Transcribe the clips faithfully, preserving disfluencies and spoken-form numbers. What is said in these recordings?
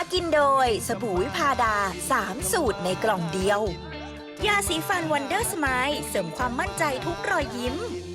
กินโดยสบู่วิพาดาสามสูตรในกล่องเดียวยาสีฟันวันเดอร์สไมล์เสริมความมั่นใจทุกรอยยิ้ม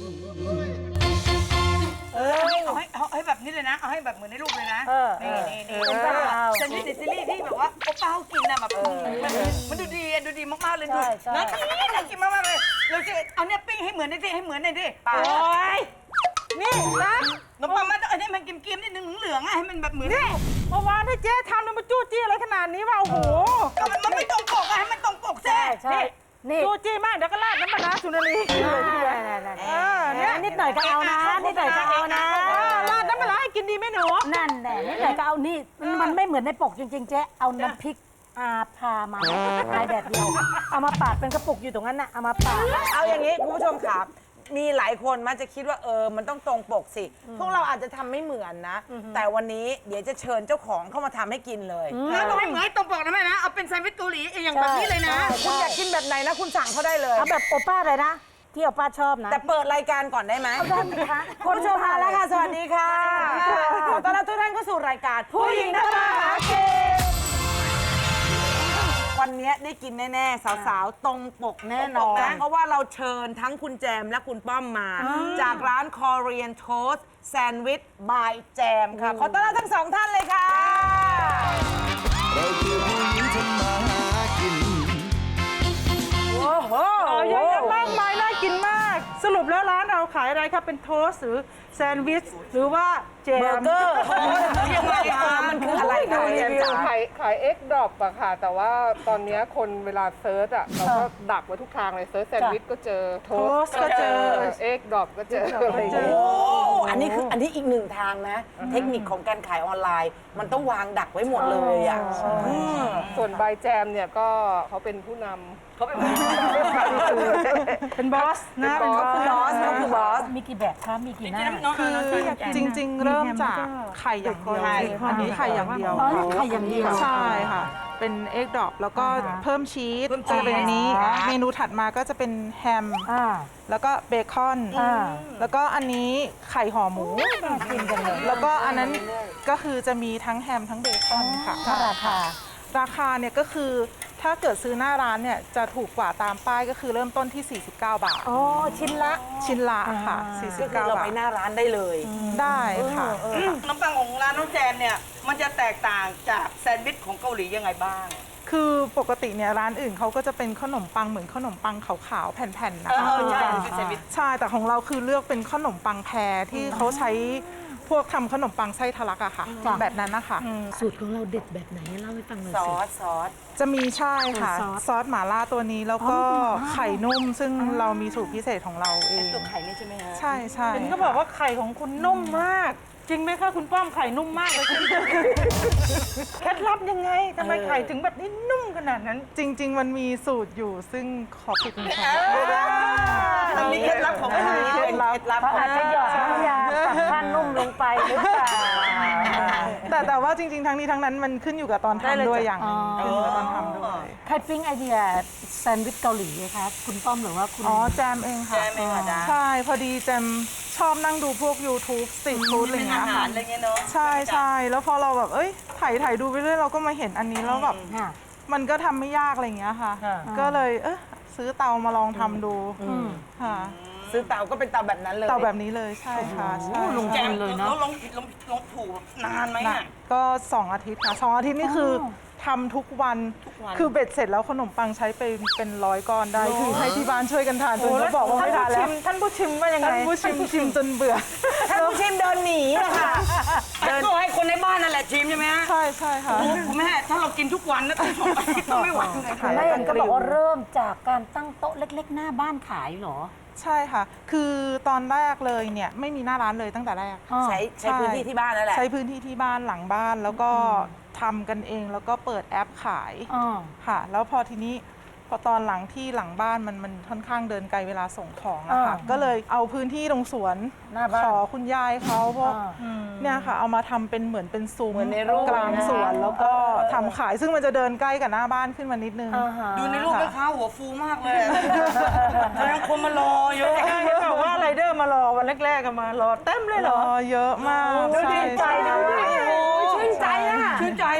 เออเอาให้เอาให้แบบนี้เลยนะเอาให้แบบเหมือนในรูปเลยนะนี่นี่นี่เซนด์วิชซีรีส์ที่แบบว่าโอป้ากินนะแบบมันดูดีดูดีมากๆเลยดูน่ากินน่ากินมากๆเลยเราจะเอาเนี่ยปิ้งให้เหมือนในที่ให้เหมือนในที่โอ้ยนี่นะขนมปังมันอันนี้มันกิมกิมนิดนึงเหลืองๆให้มันแบบเหมือนนี่เมื่อวานให้เจ๊ทำมันจู้จี้อะไรขนาดนี้วะโอ้โหมันไม่ตรงปกอะให้มันตรงปกแท้นี่จู้จี้มากเดี๋ยวก็ราดน้ำปลาสุนารีเนี่ยนิดหน่อยก็เอานะนิดหน่อยก็เอานะราดน้ำปลาให้กินดีไหมหนูนั่นแหละนิดหน่อยก็เอานี่มันไม่เหมือนในปกจริงๆเจ๊เอาน้ำพริกอาพามาลายแบบเดียวเอามาปาดเป็นกระปุกอยู่ตรงนั้นน่ะเอามาปาดเอาอย่างนี้คุณผู้ชมครับมีหลายคนมันจะคิดว่าเออมันต้องตรงปกสิพวกเราอาจจะทำไม่เหมือนนะแต่วันนี้เดี๋ยวจะเชิญเจ้าของเข้ามาทำให้กินเลยแล้วต้องไม่เหมือนตรงปกนะแม่นะเอาเป็นแซนด์วิชเกาหลีอย่างแบบนี้เลยนะคุณอยากกินแบบไหนนะคุณสั่งเขาได้เลยเอาแบบโอป้าเลยนะที่โอป้าชอบนะแต่เปิดรายการก่อนได้ไหมได้ไหมคะคุณผู้ชมมาแล้วค่ะสวัสดีค่ะขอต้อนรับทุกท่านเข้าสู่รายการผู้หญิงทำมาหากินวันนี้ได้กินแน่ๆสาวๆตรงปกแน่นอนเพราะว่าเราเชิญทั้งคุณแจมและคุณป้อมมาจากร้าน Korean Toast Sandwich by แจมค่ะขอต้อนรับทั้งสองท่านเลยค่ะเราคือผู้หญิงทำมาหากินโอ้โหเยอะแยะมากมายน่ากินมากสรุปแล้วร้านเราขายอะไรครับเป็นโทสต์หรือแซนด์วิชหรือว่าแจมเบอร์เกอร์ยังไงมันคืออะไรคะแจมจ๋าขายขายเอ็กดรอปอะค่ะแต่ว่าตอนนี้คนเวลาเซิร์ชอะเราก็ดักไว้ทุกทางเลยเซิร์ชแซนด์วิชก็เจอโทสก็เจอเอ็กดรอปก็เจอโอ้อันนี้คืออันนี้อีกหนึ่งทางนะเทคนิคของการขายออนไลน์มันต้องวางดักไว้หมดเลยอะส่วนใบแจมเนี่ยก็เขาเป็นผู้นำเขาเป็นเป็นบอสนะเป็นบอสเขาคือบอสมีกี่แบบคะมีกี่หน้าคือจริงๆเริ่มจากไข่อย่างเดียวอันนี้ไข่อย่างเดียวไข่อย่างเดียวใช่ค่ะเป็นเอ็กดรอปแล้วก็เพิ่มชีสจะเป็นอันนี้เมนูถัดมาก็จะเป็นแฮมแล้วก็เบคอนแล้วก็อันนี้ไข่ห่อหมูแล้วก็อันนั้นก็คือจะมีทั้งแฮมทั้งเบคอนค่ะราคาราคาเนี่ยก็คือถ้าเกิดซื้อหน้าร้านเนี่ยจะถูกกว่าตามป้ายก็คือเริ่มต้นที่สี่สิบเก้าบาทอ๋อชิ้นละชิ้นละค่ะสี่สิบเก้าบาทเราไปหน้าร้านได้เลยได้ค่ะน้ำปังของร้านน้องแจมเนี่ยมันจะแตกต่างจากแซนด์วิชของเกาหลียังไงบ้างคือปกติเนี่ยร้านอื่นเขาก็จะเป็นขนมปังเหมือนขนมปังขาวๆแผ่นๆนะคะใช่แต่ของเราคือเลือกเป็นขนมปังแพรที่เขาใช้พวกทำขนมปังไส้ทะลักอะค่ะแบบนั้นนะคะสูตรของเราเด็ดแบบไหนเล่าให้ฟังหน่อยซสิอสซอสจะมีใช่ค่ะซอสหม่าล่าตัวนี้แล้วก็ไข่นุ่มซึ่งเรามีสูตรพิเศษของเราเองตัวไข่นี่ใช่ไหมคะใช่ใช่เห็นก็บอกว่าไข่ของคุณนุ่มมากจริงไหมคะคุณป้อมไข่นุ่มมากเลยเคล็ดลับยังไงทำไมไข่ถึงแบบนี้นุ่มขนาดนั้นจริงๆมันมีสูตรอยู่ซึ่งขอปิดมันค่ะมันมีเคล็ดลับของมันมีเคล็ดลับอาจจะหยอดน้ำยาตัดผ้านุ่มลงไปหรือเปล่าแต่แต่ว่าจริงๆทั้งนี้ทั้งนั้นมันขึ้นอยู่กับตอนทำด้วยอย่างขึ้นอยู่กับตอนทำด้วยใครปิ้งไอเดียแซนด์วิชเกาหลีคะคุณป้อมหรือว่าคุณอ๋อแจมเองค่ะแจมเองค่ะใช่พอดีแจมชอบนั่งดูพวก YouTube สตรีทฟู้ดอะไรเงี้ยค่ะใช่ใช่แล้วพอเราแบบเอ้ยถ่ายถ่ายดูไปเรื่อยเราก็มาเห็นอันนี้แล้วแบบมันก็ทำไม่ยากอะไรเงี้ยค่ะก็เลยเออซื้อเตามาลองทำดูค่ะซื้อเตาก็เป็นเตาแบบนั้นเลยเตาแบบนี้เลยใช่ค่ะใช่ลงแจมเลยเนาะลงลงลงถูกนานไหมอ่ะก็สองอาทิตย์ค่ะสองอาทิตย์นี่คือทำทุกวันคือเบ็ดเสร็จแล้วขนมปังใช้ไปเป็นร้อยก้อนได้คือให้ที่บ้านช่วยกันทานจนเขาบอกว่าไม่ทานแล้วท่านผู้ชิมว่ายังไงท่านผู้ชิมชิมจนเบื่อท่านผู้ชิมเดินหนีอะค่ะเดินก็ให้คนในบ้านนั่นแหละชิมใช่ไหมฮะใช่ใช่ค่ะคุณแม่ถ้าเรากินทุกวันนะต้องชมต้องไม่ไหวแม่ก็บอกว่าเริ่มจากการตั้งโต๊ะเล็กๆหน้าบ้านขายเหรอใช่ค่ะคือตอนแรกเลยเนี่ยไม่มีหน้าร้านเลยตั้งแต่แรกใช้ใช้พื้นที่ที่บ้านนั่นแหละใช้พื้นที่ที่บ้านหลังบ้านแล้วก็ทำกันเองแล้วก็เปิดแอปขายค่ะแล้วพอทีนี้พอตอนหลังที่หลังบ้านมันมันค่อนข้างเดินไกลเวลาส่งของอะค่ะก็เลยเอาพื้นที่ตรงสวนขอคุณยายเขาพวกเนี่ยค่ะเอามาทำเป็นเหมือนเป็นซุ้มกลางสวนแล้วก็ทำขายซึ่งมันจะเดินใกล้กับหน้าบ้านขึ้นมานิดนึงดูในรูปแม่ค้าหัวฟูมากเลยแสดงคนมารอเยอะบอกว่าไรเดอร์มารอวันแรกๆก็มารอเต็มเลยเหรอเยอะมากชื่นใจนะชื่นใจอะชื่นใจเนาะเปิด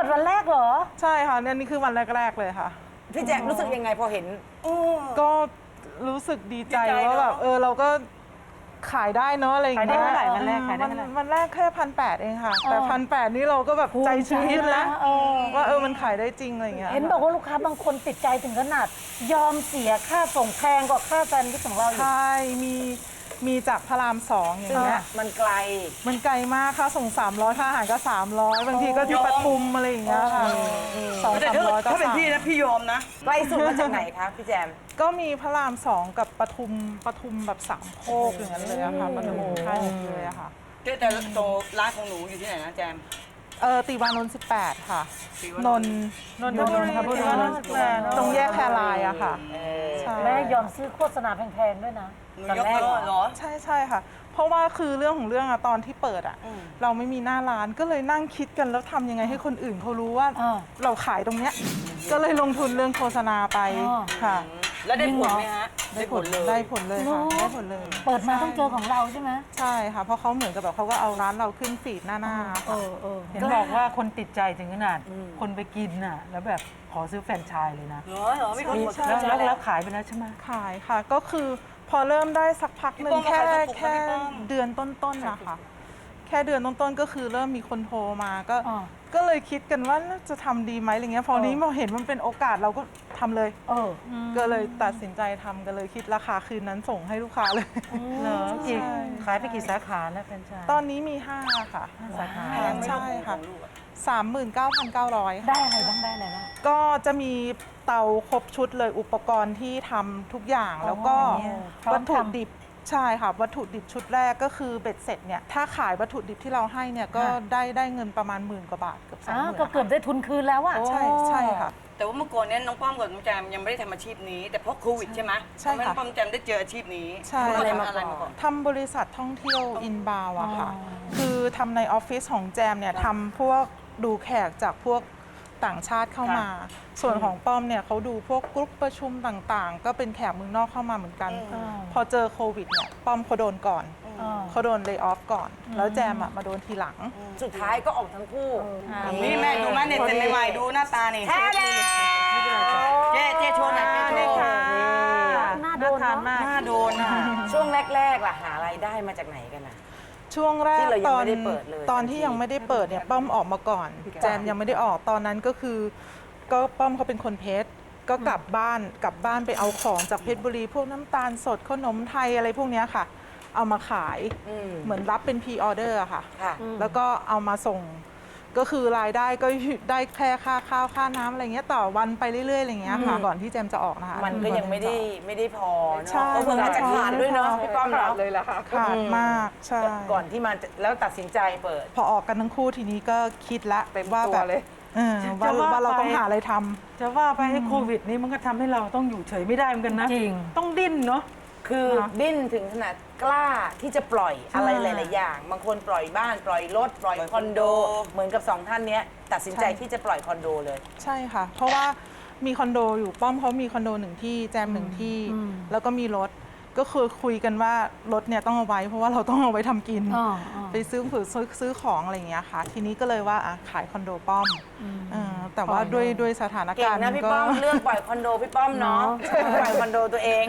วันแรกเหรอใช่ค่ะเนี่ยนี่คือวันแรกๆเลยค่ะพี่แจมรู้สึกยังไงพอเห็นก็รู้สึกดีใจว่าแบบเออเราก็ขายได้เนาะอะไรอย่างเงี้ยขายได้เท่าไหร่วันแรกขายได้วันเท่าไหร่วันแรกแค่พันแปดเองค่ะ แต่พันแปดนี่เราก็แบบใจชื้นแล้วเออว่าเออมันขายได้จริงอะไรอย่างเงี้ยเห็นบอกว่าลูกค้าบางคนติดใจถึงขนาด ยอมเสียค่าส่งแพงกว่าค่าแซนด์วิชของเราอีกใช่มีมีจากพระรามสองอย่างเงี้ยมันไกลมันไกลมากค่ะส่งสามร้อยค่าอาหารก็สามร้อยบางทีก็ที่ปทุมอะไรอย่างเงี้ยค่ะสองแต่สามถ้าร้อยก็ถ้าเป็นสั่งพี่นะพี่ยอมนะไกลสุดมาจากไหนคะพี่แจมก็มีพระรามสองกับปทุมปทุมแบบสามโคกอย่างนั้นเลยอะค่ะปทุมค่ายเลยอะค่ะแต่แต่โตร้านของหนูอยู่ที่ไหนนะแจมเออติวานนท์สิบแปดค่ะติวานนท์นนท์นนทบุรีตรงแยกแครายอะค่ะใช่แม่ยอมซื้อโฆษณาแพงๆด้วยนะหนูยกเลิกเหรอใช่ใช่ค่ะ เพราะว่าคือเรื่องของเรื่องอะตอนที่เปิดอะเราไม่มีหน้าร้านก็เลยนั่งคิดกันแล้วทำยังไงให้คนอื่นเขารู้ว่าอ่าเราขายตรงเนี้ยก็เลยลงทุนเรื่องโฆษณาไปอ๋อค่ะแล้วได้ผลไหมฮะได้ผลเลยได้ผลเลยค่ะได้ผลเลยเปิดมาต้องเจอของเราใช่ไหมใช่ค่ะ เพราะเขาเหมือนกับแบบเขาก็เอาร้านเราขึ้นฟีดหน้าหน้าเออเออเห็นบอกว่าคนติดใจถึงขนาดคนไปกินน่ะแล้วแบบขอซื้อแฟรนไชส์เลยนะเหรอเหรอไม่คนหมดแล้วแล้วแล้วขายไปแล้วใช่ไหมขายค่ะ ก็คือพอเริ่มได้สักพักหนึ่งพี่ป้อมแค่มาขายกระปุกแค่นะพี่ป้อมเดือนต้นๆนะคะแค่เดือนต้นๆก็คือเริ่มมีคนโทรมาก็อ่าก็เลยคิดกันว่าน่าจะทำดีไหมอะไรเงี้ยพอนี้มาเห็นมันเป็นโอกาสเราก็ทำเลยเออก็เลยตัดสินใจทำกันเลยคิดราคาคืนนั้นส่งให้ลูกค้าเลยเหรอกี่ใช่ขายไปกี่สาขาแล้วแฟรนไชส์ตอนนี้มีห้าค่ะสาขาใช่ค่ะสามหมื่นเก้าพันเก้าร้อยได้อะไรบ้างได้อะไรบ้างก็จะมีเตาครบชุดเลยอุปกรณ์ที่ทำทุกอย่างแล้วก็พร้อมวัตถุทำดิบใช่ค่ะ วัตถุดิบชุดแรกก็คือเบ็ดเสร็จเนี่ยถ้าขายวัตถุดิบที่เราให้เนี่ยก็ได้ได้เงินประมาณหมื่นกว่าบาทเกือบสองอ้าหวมื่นก็เกือบได้ทุนคืนแล้วอะใช่ใช่ค่ะแต่ว่าเมื่อก่อนเนี้น้องป้อมกับน้องแจมยังไม่ได้ทำอาชีพนี้ แต่เพราะโควิดใช่ไหมใช่ทำให้น้ค่ะองป้อมแจมได้เจออาชีพนี้ใช่เขาทำอะไรมาก่อนทำบริษัทท่องเที่ยวอินบาวอะค่ะ คือทำในออฟฟิศของแจมเนี่ยทำพวกดูแขกจากพวกต่างชาติเข้ามา ส่วนของป้อมเนี่ยเขาดูพวกกรุ๊ปประชุมต่างๆ ก็เป็นแขกเมืองนอกเข้ามาเหมือนกัน พอเจอโควิดเนี่ยป้อมเขาโดนก่อนเขาโดนเล y off ก่อน แล้วแจมอะมาโดนทีหลังสุดท้ายก็ออกทั้งคู่นี่แม่ดูไหมเนี่ยเซ็นใหม่ๆดูหน้าตานี่แท้แดเจ๊เจ๊โชว์หน่อยเจ๊โชว์หน้าโดนเนอะหน้าโดนอ่ะช่วงแรกๆล่ะหารายได้มาจากไหนกันนะช่วงแรที่กเรายังตอนไม่ได้เปิดเลยตอนที่ยังไม่ได้เปิดเนี่ยป้อมออกมาก่อน แจมยังไม่ได้ออกตอนนั้นก็คือ ก็ป้อมเขาเป็นคนเพชรก็กลับบ้านกลับบ้านไปเอาของจากเพชรบุรี พวกน้ำตาลสดขนมไทยอะไรพวกเนี้ยค่ะ เอามาขายเหมือนรับเป็นพรีออเดอร์อะค่ะค่ะแล้วก็เอามาส่ง ก็คือรายได้ก็ได้แค่ค่าข้าวค่าน้ำอะไรเงี้ยต่อวันไปเรื่อยๆอะไรเงี้ยค่ะก่อนที่แจมจะออกนะคะมันก็ยังไม่ได้ไม่ได้พอเนใช่อะเพราะเพิ่งอาจจะขาดด้วยเนาะพี่ป้อมขาดเนาะเลยล่ะค่ะขาดมากใช่ก่อนที่มันจะแล้วตัดสินใจเปิดพอออกกันทั้งคู่ทีนี้ก็คิดละเต็มว่าตัวแบบเลยเออว่าว่าเราต้องหาอะไรทำจะว่าไปให้โควิดนี้มันก็ทำให้เราต้องอยู่เฉยไม่ได้เหมือนกันนะจริงต้องดิ้นเนาะคือดิ้นถึงขนาดกล้าที่จะปล่อยอะไรหลาย ๆ อย่าง บางคนปล่อยบ้านปล่อยรถปล่อยคอนโด เหมือนกับสองท่านเนี้ยตัดสินใจใช่ที่จะปล่อยคอนโดเลยใช่ค่ะ เพราะว่ามีคอนโดอยู่ป้อมเขามีคอนโดหนึ่งที่แจมหนึ่งที่ แล้วก็มีรถก็คือคุยกันว่ารถเนี่ยต้องเอาไว้ เพราะว่าเราต้องเอาไว้ทำกินอ่าอ่าไปซื้อผือซื้อซื้อของอะไรอย่างเงี้ยค่ะ ทีนี้ก็เลยว่าอ่ะขายคอนโดป้อมเออแต่ว่าด้วยด้วยสถานเก่กาง รณ์นะพี่ก็ป้อมเลือกปล่อยคอนโดพี่ป้อมเนาะปล่อยคอนโดตัวเอง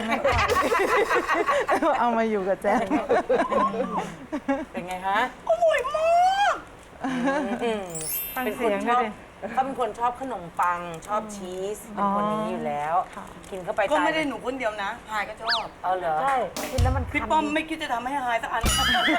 เอามาอยู่กับแจมเป็นไงฮะอร่อยมากอืมฟังเป็นคเสียนงชด้อวบยดิเขาเป็นคนชอบขนมปังชอบชีสเป็นคนนี้อยู่แล้ว กินเข้าไปก็ตายไม่ได้หนูคนเดียวนะหายก็ชอบเอาเหรอใช่กินแล้วมันพี่ป้อมไม่คิดจะทำให้หายสักอัน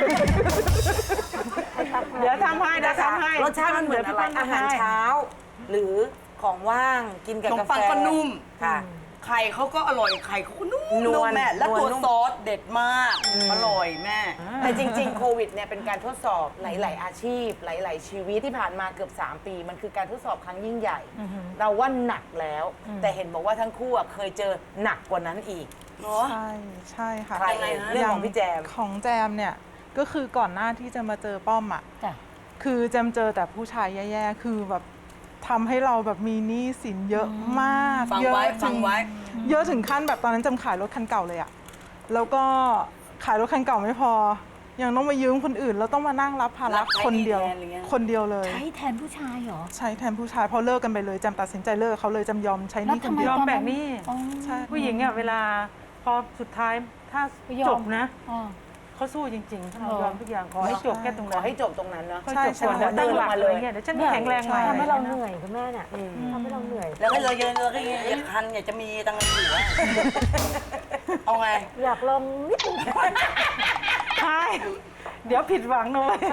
เดี๋ยวทำให้เดี๋ยวทำให้รสชาติมันเหมือนอะไรอาหารเช้า หรือของว่างกินกับขนมกาแฟปังก็นุ่มค่ะไข่เขาก็อร่อยไข่เขาก็นุ่มนวลแม่แล้วนวลตัวนุ่มซอสเด็ดมาก อร่อยแม่แต่จริง ๆ โควิดเนี่ยเป็นการทดสอบหลาย ๆ อาชีพ หลาย ๆ ชีวิตที่ผ่านมาเกือบ สาม ปี มันคือการทดสอบครั้งยิ่งใหญ่ เราว่าหนักแล้ว แต่เห็นบอกว่าทั้งคู่อะเคยเจอหนักกว่านั้นอีกเนาะใช่ใช่ค่ะใครเอ่ยเรื่องของพี่แจมของแจมเนี่ยก็คือก่อนหน้าที่จะมาเจอป้อมอ่ะจ้ะคือแจมเจอแต่ผู้ชายแย่ๆคือแบบทำให้เราแบบมีหนี้สินเยอะมากฟังเยอะไว้ถึฟังไว้เยอะถึงขั้นแบบตอนนั้นจำขายรถคันเก่าเลยอะแล้วก็ขายรถคันเก่าไม่พอยังต้องมายืมคนอื่นแล้วต้องมานั่งรับภาระคนเดียว คนเดียวเลยใช้แทนผู้ชายเหรอใช้แทนผู้ชายเพราะเลิกกันไปเลยจำตัดสินใจเลิกเขาเลยจำยอมใช้หนี่คนเดียยวอมแบ่งหนี้ใช่ผู้หญิงเนี่ยเวลาพอสุดท้ายถ้าไม่ยอมจบนะอ๋อเขาสู้จริงๆเขาเออยอมทุกอย่างขอให้จบแค่ตรงขนั้อน ให้จบตรงนั้นเนาะขอให้จบก่อนแล้วตั้งหลักอะไรเงี้ยเดี๋ยวฉันแข็งแรงใหม่ทำให้เราเหนื่อยคุณแม่เนี่ยทำให้เราเหนื่อยแล้วก็เลยเยอะเลยก็อยากคันอยากจะมีตังค์เหลือเอาไงอยากลองนิดนึงใช่เดี๋ยวผิดหวังหน่อย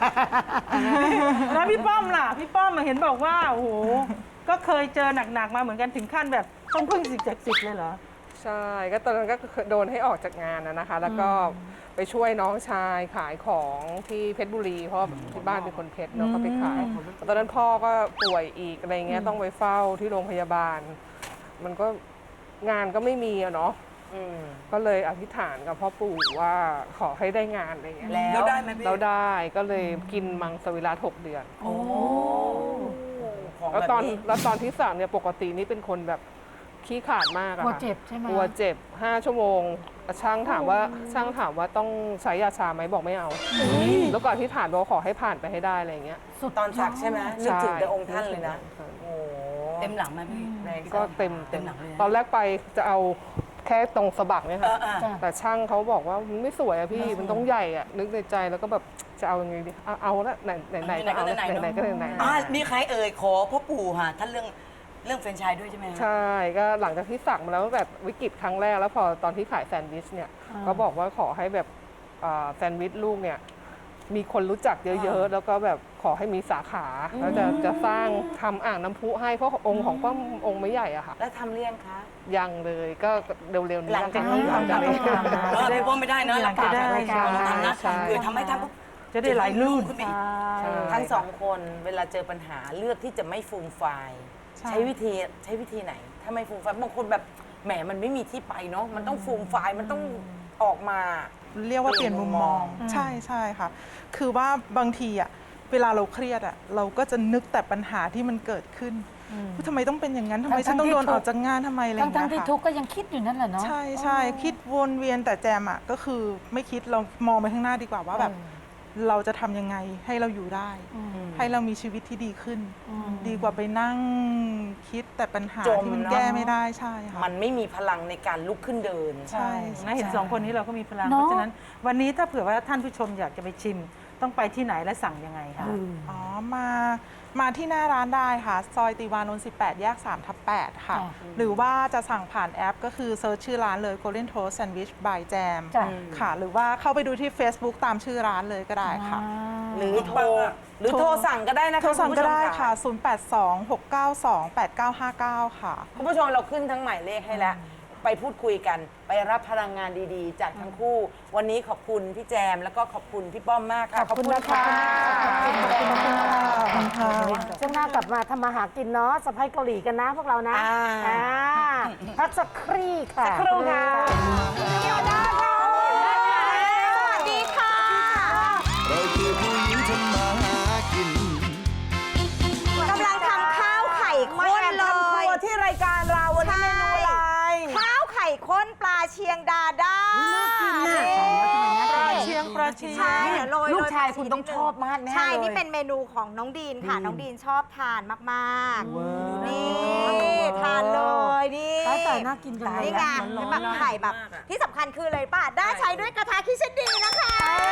แล้วพี่ป้อมล่ะ พี่ป้อมมาเห็นบอกว่าโอ้โหก็เคยเจอหนักๆมาเหมือนกันถึงขั้นแบบต้องพึ่งสิ่งศักดิ์สิทธิ์เลยเหรอใช่ ก็ตอนนั้นก็โดนให้ออกจากงานนะนะคะ แล้วก็ไปช่วยน้องชายขายของที่เพชรบุรี เพราะที่บ้านเป็นคนเพชรเนาะก็ไปขาย ตอนนั้นพ่อก็ป่วยอีกอะไรเงี้ยต้องไปเฝ้าที่โรงพยาบาล มันก็งานก็ไม่มีอะเนาะก็เลยอธิษฐานกับพ่อปู่ว่าขอให้ได้งานอะไรเงี้ยแล้วได้ไหมพี่แล้วได้ก็เลยกินมังสวิรัติหกเดือนโอ้ของแล้วแบบตอนนี้แล้วตอนที่สั่งเนี่ยปกตินี่เป็นคนแบบขี้ขลาดมากอะกลัวค่ะเจ็บใช่ไหมกลัวเจ็บห้าชั่วโมงช่างถามว่าช่างถามว่าต้องใช้ยาชาไหมบอกไม่เอา แล้วก่อนที่ฐานบอกขอให้ผ่านไปให้ได้อะไรอย่างเงี้ยตอนสักใช่ไหมนึกถึงแต่องค์ท่านเลยนะใช่โอ้เต็มหลังไหมพี่ก็เต็มเต็เต็มมหลังเลยนะตอนแรกไปจะเอาแค่ตรงสะบักเนี่ยค่ะเออเออแต่ช่างเขาบอกว่ามันไม่สวยอะพี่มันต้องใหญ่อะนึกในใจแล้วก็แบบจะเอายังไงดีเอาเอาละไหนไหนไหนก็เอาละไหนไหนก็ไหนไหนอ่ามีใครเอ่ยขอพ่อปู่ค่ะท่านเรื่องเรื่องแฟรนไชส์ด้วยใช่ไหมฮะใช่ก็หลังจากที่สั่งมาแล้วแบบวิกฤตครั้งแรกแล้วพอตอนที่ขายแซนด์วิชเนี่ยก็บอกว่าขอให้แบบอ่าแซนด์วิชลูกเนี่ยมีคนรู้จักเยอะๆ แล้วก็แบบขอให้มีสาขาแล้วจะจะสร้างทำอ่างน้ำพุให้เพราะองค์ของป้าองค์ไม่ใหญ่อะค่ะแล้วทำเรียงคะยังเลยก็เร็วๆนี้หลังจากนี้หลังจากนี้เออพี่ป้อมไม่ได้นะหลังจากปได้รายการทำนะใช่คือทำให้ท่านปุ๊บจะได้ไหลลื่นขึ้นไปอีกใช่ทั้งสองคนเวลาเจอปัญหาเลือกที่จะไม่ฟูมไฟายใช่ใช้วิธีใช้วิธีไหน ถ้าไม่ฟูมไฟายบางคนแบบแหมมันไม่มีที่ไปเนาะมันต้องฟูมไฟายมันต้องออกมาเรียกว่าเปลี่ยนมุมมองอืมใช่ใช่ค่ะ คือว่าบางทีอะเวลาเราเครียดอะเราก็จะนึกแต่ปัญหาที่มันเกิดขึ้นว่าทำไมต้องเป็นอย่างนั้นทำไมฉันต้องโดนออกจากงานทำไมอะไรอย่างทั้เงี้งยๆที่ค่ะทุกข์ก็ยังคิดอยู่นั่นแหละเนาะใช่ใช่คิดวนเวียนแต่แจมอะก็คือไม่คิดเรามองไปข้างหน้าดีกว่าว่าแบบเราจะทำยังไงให้เราอยู่ได้ ให้เรามีชีวิตที่ดีขึ้น ดีกว่าไปนั่งคิดแต่ปัญหาจมที่มันเนอะแก้ไม่ได้ใช่ค่ะมันไม่มีพลังในการลุกขึ้นเดินใช่นะเห็นสองคนนี้เราก็มีพลังเนอะเพราะฉะนั้น วันนี้ถ้าเผื่อว่าท่านผู้ชมอยากจะไปชิม ต้องไปที่ไหนและสั่งยังไงคะอ๋อ มา มาที่หน้าร้านได้ค่ะ ซอยติวานนท์สิบแปด แยกสามทับแปดค่ะจ้ะหรือว่าจะสั่งผ่านแอปก็คือเซิร์ชชื่อร้านเลย Golden Toast Sandwich by Jam จ้ะค่ะ หรือว่าเข้าไปดูที่ Facebook ตามชื่อร้านเลยก็ได้ค่ะหรือโทรหรือโทรสั่งก็ได้นะคะโทรสั่งณผู้ก็ชมได้ค่ะ ศูนย์ แปด สอง หก เก้า สอง แปด เก้า ห้า เก้า ค่ะคุณผู้ชมเราขึ้นทั้งหมายเลขให้แล้ว ไปพูดคุยกัน ไปรับพลังงานดีๆ จากทั้งคู่ วันนี้ขอบคุณพี่แจมแล้วก็ขอบคุณพี่ป้อมมากค่ะขอบคุณนะคะขอบคุณค่ะช่วงหน้ากลับมาทำมาหากินเนาะสะพ้ายเกาหลีกันนะพวกเรานะอ่าอ่าพักสักครู่ค่ะสักครู่ค่ะเดี๋ยวได้ค่ะสวัสดีค่ะเราคือผู้หญิงทำมาหากินกำลังทำข้าวไข่มาข้นแอบเลทำครัยวที่รายการเราวันนี้เมนูอะไรข้าวไข่ข้นปลาเชียงดาด้านี่ปลาเชียงปลาเชียงใช่เดี๋ยวโรยลูกชายโรคุณต้องชอบมากแน่ใช่เลยนี่เป็นเมนูของน้องดีนค่ะ น้องดีนชอบทานมากๆ นี่ทานเลยนี่ตายแต่น่ากินจังเลยนี่ไงเป็นแบบไข่แบบ ที่สำคัญคือเลยป่ะ ได้ใช้ด้วยกระทะคิเชนดีนะคะ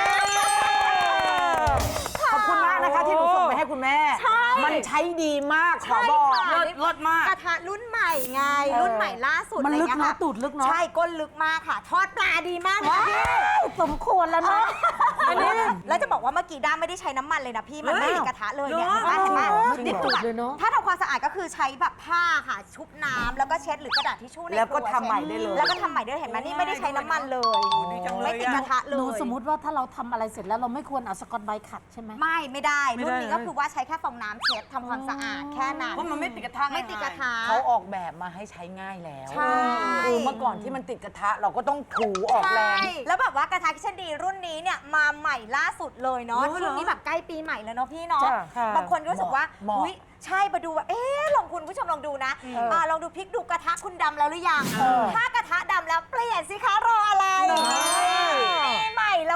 ขอบคุณมากนะคะที่หนูส่งไปให้คุณแม่ใช่มันใช้ดีมากขอใช่บอกค่ะเลิศเลิศมากกระทะรุ่นใหม่ไง รุ่นใหม่ล่าสุดมันลึกอะไรเนาะเงี้ยค่ตูดลึกเนาะใช่ก้นลึกมากค่ะ ทอดปลาดีมากเลยค่ะพี่สมควรแล้วเนาะอันนี้แล้วจะบอกว่าเมื่อกี้ด้าไม่ได้ใช้น้ำมันเลยนะพี่ มันไม่เฮ้ยติดกระทะเลยเนี่ยเหรอเห็นไหมไม่เห็นไหมติดตูดเลยเนอะถ้าทำความสะอาดก็คือใช้แบบผ้าค่ะ ชุบน้ำแล้วก็เช็ดหรือกระดาษทิชชู่ในแล้วก็ครัทำใหม่ได้เลยแล้วก็ทำใหม่ได้เลยเห็นไหมนี่ไม่ได้ใช้น้ำมันเลยดีจังเลยไม่ติดกระทะเลหนูยสมมติว่าถ้าเราทำอะไรเสร็จแล้วเราไม่ควรเอาสกอตไบรท์ขัดใช่ไหมไม่ไม่ได้ไม่รุ่นได้นี้เลยก็คือว่าใช้แค่ฟองน้ำเช็ดทำความสะอาดแค่นั้นเพราะมันไม่ติดกระทะไม่ติดกระทะเขาออกแบบมาให้ใช้ง่ายแล้วใช่คือเมื่อก่อนที่มันติดกระทะเราก็ต้องถูออกแรงใช่แล้วแบบว่ากระทะคิชเชนดีรุ่นนี้เนี่ยมาใหม่ล่าสุดเลยเนาะโอ้ยเหรอช่วงนี้แบบใกล้ปีใหม่แล้วเนาะพี่เนาะจ้ะค่ะบางคนก็รู้สึกว่าเหมาะอุ้ยใช่มาดูว่าเอ๊ะลองคุณผู้ชมลองดูนะอ่าลองดูพริกดูกระทะคุณดำแล้วหรือยังถ้ากระทะดำแล้วเปลี่ยนสิคะรออะไรปีใหม่เราก็ต้องเปลี่ยน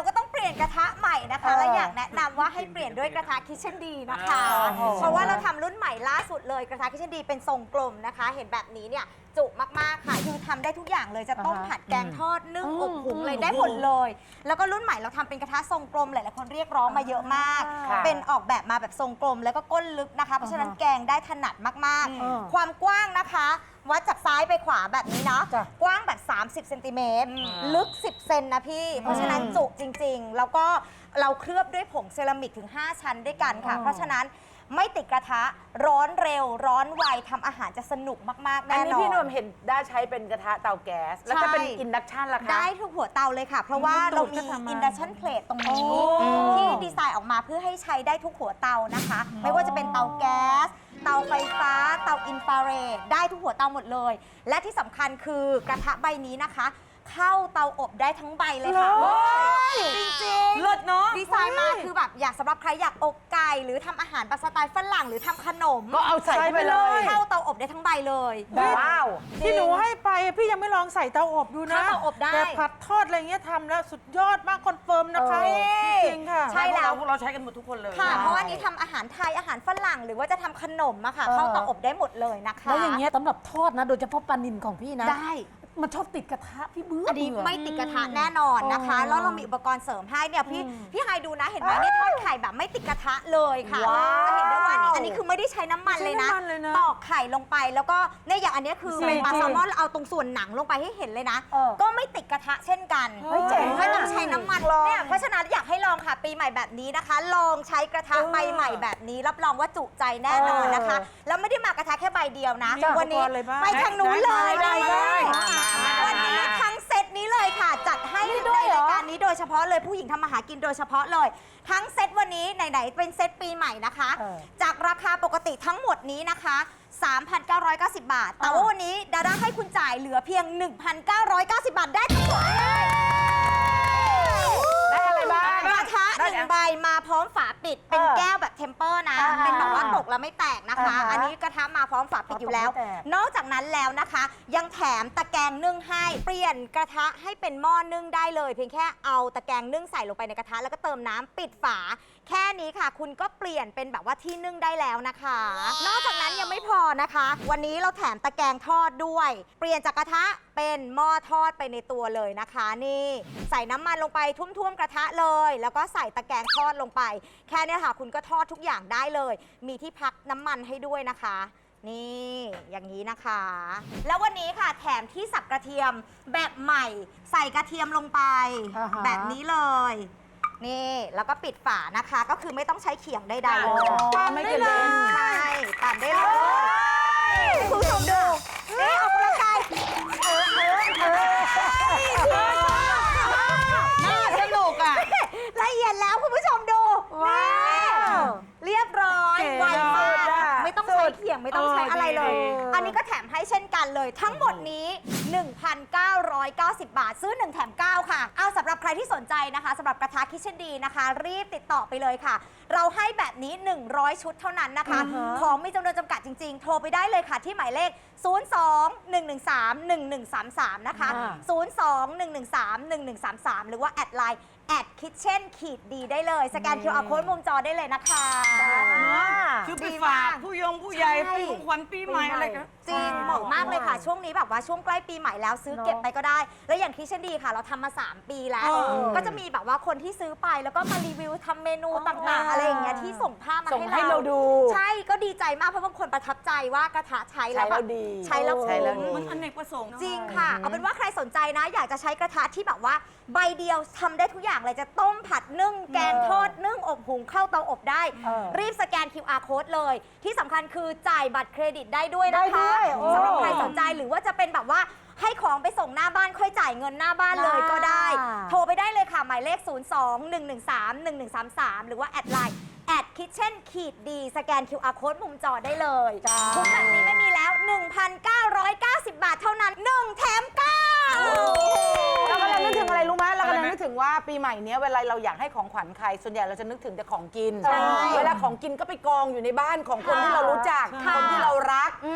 ลี่ยนกระทะใหม่นะคะ และอยากแนะนำว่าให้เปลี่ยนด้วยกระทะคิชเช่นดีนะคะ เพราะว่าเราทำรุ่นใหม่ล่าสุดเลยกระทะคิชเช่นดีเป็นทรงกลมนะคะ เห็นแบบนี้เนี่ยจุมากๆค่ะคือทำได้ทุกอย่างเลยจะต้มผัดแกงทอดนึ่งอบหุงเลยได้หมดเลย แล้วก็รุ่นใหม่เราทำเป็นกระทะทรงกลมหลายๆคนเรียกร้องมาเยอะมาก เป็นออกแบบมาแบบทรงกลมแล้วก็ก้นลึกนะคะ เพราะฉะนั้นแกงได้ถนัดมากๆ ความกว้างนะคะ วัดจากซ้ายไปขวาแบบนี้เนาะกว้างแบบสามสิบเซนติเมตรลึกสิบเซนนะพี่เพราะฉะนั้นจุจริงๆแล้วก็เราเคลือบด้วยผงเซรามิกถึงห้าชั้นด้วยกันค่ะเพราะฉะนั้นไม่ติดกระทะร้อนเร็วร้อนไวทำอาหารจะสนุกมากๆแน่นอนอันนี้พี่นวมเห็นได้ใช้เป็นกระทะเตาแก๊สแล้วจะเป็นอินดักชันล่ะคะได้ทุกหัวเตาเลยค่ะ เพราะว่าเรามีอินดักชันเพลทตรงนี้ที่ดีไซน์ออกมาเพื่อให้ใช้ได้ทุกหัวเตานะคะ ไม่ว่าจะเป็นเตาแก๊สเตาไฟฟ้าเตาอินฟราเรดได้ทุกหัวเตาหมดเลย และที่สำคัญคือกระทะใบนี้นะคะ เข้าเตาอบได้ทั้งใบเลยค่ะจริงๆเลิศเนาะดีไซน์มาคือแบบอยากสำหรับใครอยากอบไก่หรือทำอาหารแบบสไตล์ฝรั่งหรือทำขนมก็เอาใส่ไปเลยเข้าเตาอบได้ทั้งใบเลยว้าวที่หนูให้ไปพี่ยังไม่ลองใส่เตาอบดูนะเข้าเตาอบได้แต่ผัดทอดอะไรเงี้ยทำแล้วสุดยอดมากคอนเฟิร์มนะคะจริงๆค่ะใช่แล้วพวกเราใช้กันหมดทุกคนเลยค่ะ เพราะว่านี้ทำอาหารไทยอาหารฝรั่งหรือว่าจะทำขนมอะค่ะเข้าเตาอบได้หมดเลยนะคะแล้วอย่างเงี้ยสำหรับทอดนะ โดยเฉพาะปลานิลของพี่นะได้มันชอบติดกระทะพี่เบื่ออันนี้เบื่อไม่ติดกระทะแน่นอนนะคะ แล้วเรามีอุปกรณ์เสริมให้เนี่ยพี่พี่ไฮดูนะเห็นไหมเนี่ยทอดไข่แบบไม่ติดกระทะเลยค่ะว้าวจะเห็นได้ว่านี่อันนี้คือไม่ได้ใช้น้ำมันเลยนะไม่ใช้น้ำมันเลยนะตอกไข่ลงไปแล้วก็เนี่ยอย่างอันเนี้ยคือเป็นปลาแซลมอนเราเอาตรงส่วนหนังลงไปให้เห็นเลยนะ ก็ไม่ติดกระทะเช่นกันไม่ต้องใช้น้ำมันเนี่ยเพราะฉะนั้นอยากให้ลองค่ะปีใหม่แบบนี้นะคะ ลองใช้กระทะใบใหม่แบบนี้ รับรองว่าจุใจแน่นอนนะคะ แล้วไม่ได้มากระทะแค่ใบเดียวนะ วันนี้ไปทางนู้นเลยได้วันนี้ทั้งเซตนี้เลยค่ะ จัดให้ในรายการนี้โดยเฉพาะเลยผู้หญิงทำมาหากินโดยเฉพาะเลย ทั้งเซตวันนี้ไหนๆเป็นเซตปีใหม่นะคะ จากราคาปกติทั้งหมดนี้นะคะ สามพันเก้าร้อยเก้าสิบ บาท แต่ว่าวันนี้ดาด้าให้คุณจ่ายเหลือเพียง หนึ่งพันเก้าร้อยเก้าสิบ บาทได้ทั้งหมดเลยได้อะไรบ้างกระทะหนึ่งใบมาพร้อมฝาปิดเป็นแก้วแบบเทมเปอร์นะ เป็นแบบว่าตกแล้วไม่แตกนะคะ อันนี้กระทะมาพร้อมฝาปิดอยู่แล้ว นอกจากนั้นแล้วนะคะ ยังแถมตะแกรงนึ่งให้เปลี่ยนกระทะให้เป็นหม้อนึ่งได้เลย เพียงแค่เอาตะแกรงนึ่งใส่ลงไปในกระทะแล้วก็เติมน้ำปิดฝา แค่นี้ค่ะ คุณก็เปลี่ยนเป็นแบบว่าที่นึ่งได้แล้วนะคะ นอกจากนั้นยังไม่พอนะคะ วันนี้เราแถมตะแกรงทอดด้วย เปลี่ยนจากกระทะเป็นหม้อทอดไปในตัวเลยนะคะนี่ใส่น้ำมันลงไปทุ่วมๆกระทะเลย แล้วก็ใส่ตะแกรงทอดลงไป แค่นี้ค่ะคุณก็ทอดทุกอย่างได้เลย มีที่พักน้ำมันให้ด้วยนะคะ นี่อย่างนี้นะคะ แล้ววันนี้ค่ะแถมที่สับกระเทียมแบบใหม่ ใส่กระเทียมลงไป แบบนี้เลย นี่แล้วก็ปิดฝานะคะ ก็คือไม่ต้องใช้เขียงใดๆเลยไม่เกินเลยใช่ตัดได้เลยคุณผู้ชมดูเอ๊ะออกกำลังกายเออเออเออน่าสนุกอ่ะละเอียดแล้วคุณผู้ชมดูนี่เรียบร้อยไวมากไม่ต้องใช้เขียงไม่ต้องใช้อะไรเลย อันนี้ก็แถมให้เช่นกันเลย ทั้งหมดนี้ หนึ่งพันเก้าร้อยเก้าสิบ บาท ซื้อหนึ่งแถมเก้าค่ะเอาสำหรับใครที่สนใจนะคะสำหรับกระทะคิชเช่นดีนะคะ รีบติดต่อไปเลยค่ะ เราให้แบบนี้หนึ่งร้อยชุดเท่านั้นนะคะ ของมีจำนวนจำกัดจริงๆ โทรไปได้เลยค่ะที่หมายเลข ศูนย์ สอง หนึ่ง หนึ่ง สาม หนึ่ง หนึ่ง สาม สาม นะคะ ศูนย์ สอง หนึ่ง หนึ่ง สาม หนึ่ง หนึ่ง สาม สาม หรือว่าแอดไลน์แอดคิทเช่นขีดดีได้เลยสแกน คิว อาร์ Code มุมจอได้เลยนะคะคือไปฝากผู้ยงผู้ใหญ่ไปของขวัญปีใหม่อะไรกันจริงเหมาะมากเลยค่ะ ช่วงนี้แบบว่าช่วงใกล้ปีใหม่แล้วซื้อเก็บไปก็ได้ แล้วอย่างคิชเช่นดีค่ะ เราทำมา สาม ปีแล้ว ก็จะมีแบบว่าคนที่ซื้อไปแล้วก็มารีวิวทำเมนูต่างๆ อะไรอย่างเงี้ยที่ส่งภาพมาส่งให้ให้เราเราดูใช่ก็ดีใจมากเพราะบางคนประทับใจว่ากระทะใช้แล้วแบบใช้แล้วดีใช้แล้วใช้แล้วดีคุ้มมันอเนกประสงค์จริงค่ะ เอาเป็นว่าใครสนใจนะ อยากจะใช้กระทะที่แบบว่าใบเดียวทำได้ทุกอย่างเลยจะต้มผัดนึ่งแกงทอดนึ่งอบหุงเข้าเตาอบได้ รีบสแกน คิว อาร์ Code เลย ที่สำคัญคือจ่ายบัตรเครดิตได้ด้วยนะคะสำหรับใครสนใจหรือว่าจะเป็นแบบว่าให้ของไปส่งหน้าบ้านค่อยจ่ายเงินหน้าบ้านเลยก็ได้ โทรไปได้เลยค่ะ หมายเลข ศูนย์ สอง หนึ่ง หนึ่ง สาม หนึ่ง หนึ่ง สาม สาม หรือว่าแอดไลน์แอดคิทเช่นขีดดีสแกน คิว อาร์ Code มุมจอได้เลยทุกแบบนี้ไม่มีแล้ว หนึ่งพันเก้าร้อยเก้าสิบ บาทเท่านั้นหนึ่งแถมเก้าเรากำลังนึกถึงอะไรรู้ไหมเรากำลังนึกถึงว่าปีใหม่เนี้ยเวลาเราอยากให้ของขวัญใครส่วนใหญ่เราจะนึกถึงแต่ของกิน เวลาของกินก็ไปกองอยู่ในบ้านของคนที่เรารู้จักคนที่เรารักทุกคน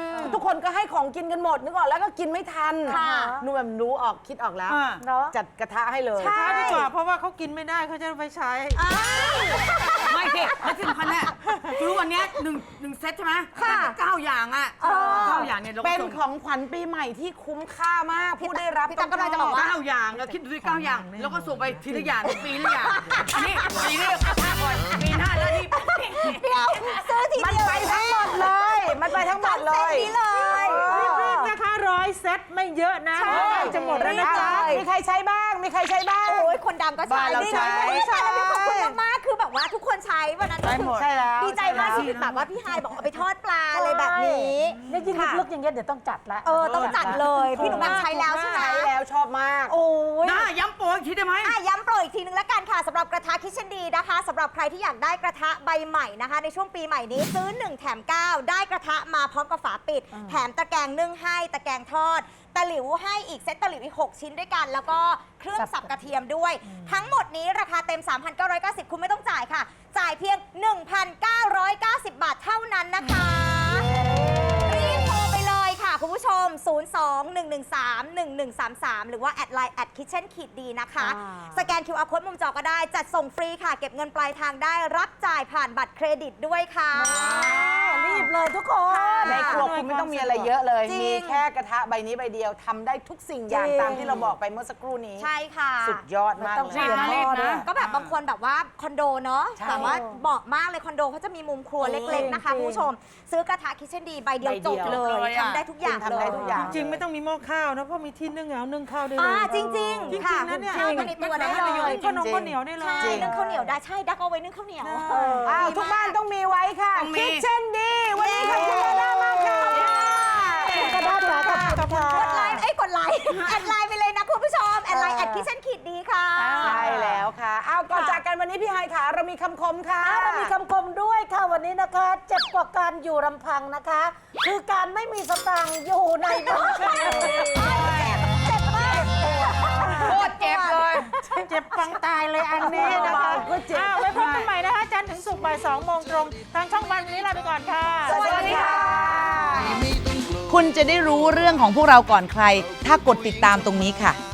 คนก็ให้ของกินกันหมดนึกออกแล้วก็กินไม่ทันค่ะหนูแบบรู้ออกคิดออกแล้วอ่าเนาะจัดกระทะให้เลยช้าดีกว่าเพราะว่าเขากินไม่ได้เขาจะไปใช้ไม่สิแล้วที่สำคัญเนี่ยคือวันเนี้ยหนึ่งหนึ่งเซตใช่ไหมค่ะเก้าอย่างอ่ะเก้าอย่างเนี่ยเราก็เป็นส่งของขวัญปีใหม่ที่คุ้มค่ามากผู้ได้รับพี่ตั๊กกำลังจะบอกว่าเก้าอย่างเราคิดดูดิเก้าอย่าง แล้วก็ส่งไปทีละอย่างปีละอย่างอันนี้ปีนี้กระทะก่อนปีหน้าแล้วที่เดี๋ยวซื้อทีมันเดียวไปทั้งหมดเลย มันไปทั้งหมดเลยนี้เลยรีบๆนะคะร้อยเซตไม่เยอะนะเพราะว่าจะหมดแล้วนะจ๊ะมีใครใช้บ้าง มีใครใช้บ้างโอ้ยคนดังก็ใช้บ้านเราใช้นี่ใช้แล้วขอบคุณมากๆคือแบบว่าทุกคนใช้วันนั้นก็คือใช่แล้วดีใจมากที่แบบว่าพี่ฮายบอกเอาไปทอดปลาอะไรแบบนี้เนี่ยยิ่งลึกๆอย่างเงี้ยเดี๋ยวต้องจัดละเออต้องจัดเลยพี่หนุ่มแหม่มใช้แล้วใช่ไหมใช้แล้วชอบมากโอ้ยหน้าย้ำโปรอีกทีได้ไหมอ่ะย้ำโปรอีกทีนึงแล้วกันค่ะสำหรับกระทะคิชเชนดีนะคะสำหรับใครที่อยากได้กระทะใบใหม่นะคะ ในช่วงปีใหม่นี้ซื้อหนึ่งแถมเก้าได้กระทะมาพร้อมกับฝาปิด แถมตะแกรงนึ่งให้ตะแกรงทอดตะหลิวให้อีกเซตตะหลิวอีกหกชิ้นด้วยกัน แล้วก็เครื่องสับกระเทียมด้วย ทั้งหมดนี้ราคาเต็ม สามพันเก้าร้อยเก้าสิบ คุณไม่ต้องจ่ายค่ะ จ่ายเพียง หนึ่งพันเก้าร้อยเก้าสิบ บาทเท่านั้นนะคะรีบโทรไปเลยค่ะคุณผู้ชม ศูนย์ สอง หนึ่ง หนึ่ง สาม หนึ่ง หนึ่ง สาม สาม หรือว่าแอดไลน์แอดคิทเช่นขีดดีนะคะ สแกน คิว อาร์ Code มุมจอก็ได้ จัดส่งฟรีค่ะ เก็บเงินปลายทางได้ รับจ่ายผ่านบัตรเครดิตด้วยค่ะรีบเลยทุกคนในครัวคุณไม่ต้องมีอะไรเยอะเลยจริงมีแค่กระทะใบนี้ใบเดียวทำได้ทุกสิ่งอย่างจริงตามที่เราบอกไปเมื่อสักครู่นี้ใช่ค่ะสุดยอดมากต้องเลเสียยพ่อด้วยก็แบบบางคนแบบว่าคอนโดเนาะใช่แบบว่าเหมาะมากเลยคอนโดเขาจะมีมุมครัวเล็กๆนะคะจริงคุณผู้ชม ซื้อกระทะคิทเช่นดีใบเดียวใบเดีจยวบเลยเลยอะทำได้ทุกอย่างคุณทำได้ทุกอย่างจริงๆไม่ต้องมีหม้อข้าวนะเพราะมีที่นึ่งเอานึ่งข้าวได้เลยอ่าจริงจๆริงค่ะๆนะเนี่ยข้าวไปในตัวได้เลยขนมข้าวเหนียวได้เลยใช่นึ่งข้าวเหนียวได้ใช่ดักเอาไว้นึ่งข้าวเหนียวอ้าวทุกบ้านต้องมีไว้ค่ะต้องมีคิดเช่นดี วันนี้ขอบคุณมากมากค่ะกระดาษค่ะขอบคุณค่ะกดไลน์เอ้ยกดไลน์ แอดไลน์ไปเลยนะคุณผู้ชมแอดไลน์แอดคิทเช่นขีดดีค่ะใช่แล้วค่ะเอาก่อนจากกันวันนี้พี่ไฮขาเรามีคำคมค่ะเรามีคำคมด้วยค่ะวันนี้นะคะ เจ็บกว่าการอยู่ลำพังนะคะ คือการไม่มีสตางค์อยู่ในบัญชีเจ็บมากโคตรเจ็บเลยเจ็บฟังตายเลยอันนี้นะคะก็เจ็บอ้าวไว้พบกันใหม่นะคะจันทร์ถึงศุกร์บ่ายสองโมงตรง ทางช่องวันวันนี้ลาไปก่อนค่ะสวัสดีค่ะไม่ต้องกลัวคุณจะได้รู้เรื่องของพวกเราก่อนใคร ถ้ากดติดตามตรงนี้ค่ะ